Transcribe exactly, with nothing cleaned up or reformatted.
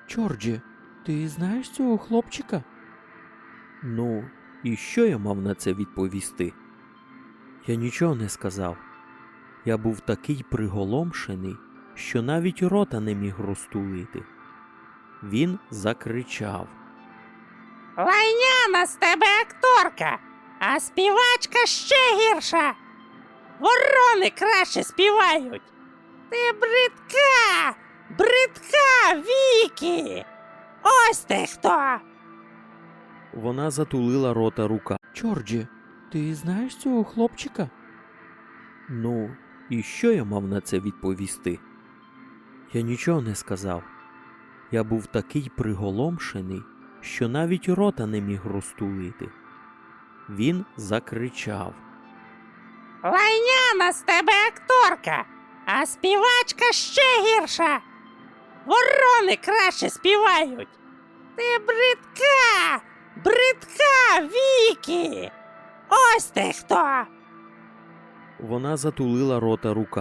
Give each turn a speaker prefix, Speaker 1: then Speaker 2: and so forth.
Speaker 1: Джорджі, ти знаєш цього хлопчика? Ну, і що я мав на це відповісти? Я нічого не сказав. Я був такий приголомшений, що навіть рота не міг розтулити. Він закричав.
Speaker 2: Лайняна з тебе акторка, а співачка ще гірша. Ворони краще співають. Ти бридка, бридка, Вікі. Ось ти хто.
Speaker 1: Вона затулила рота рука. Джорджі, ти знаєш цього хлопчика? Ну, і що я мав на це відповісти? Я нічого не сказав. Я був такий приголомшений, що навіть рота не міг розтулити. Він закричав.
Speaker 2: Лайняна з тебе акторка, а співачка ще гірша. Ворони краще співають. Ти бридка, бридка, Вікі. Ось ти хто.
Speaker 1: Вона затулила рота рука.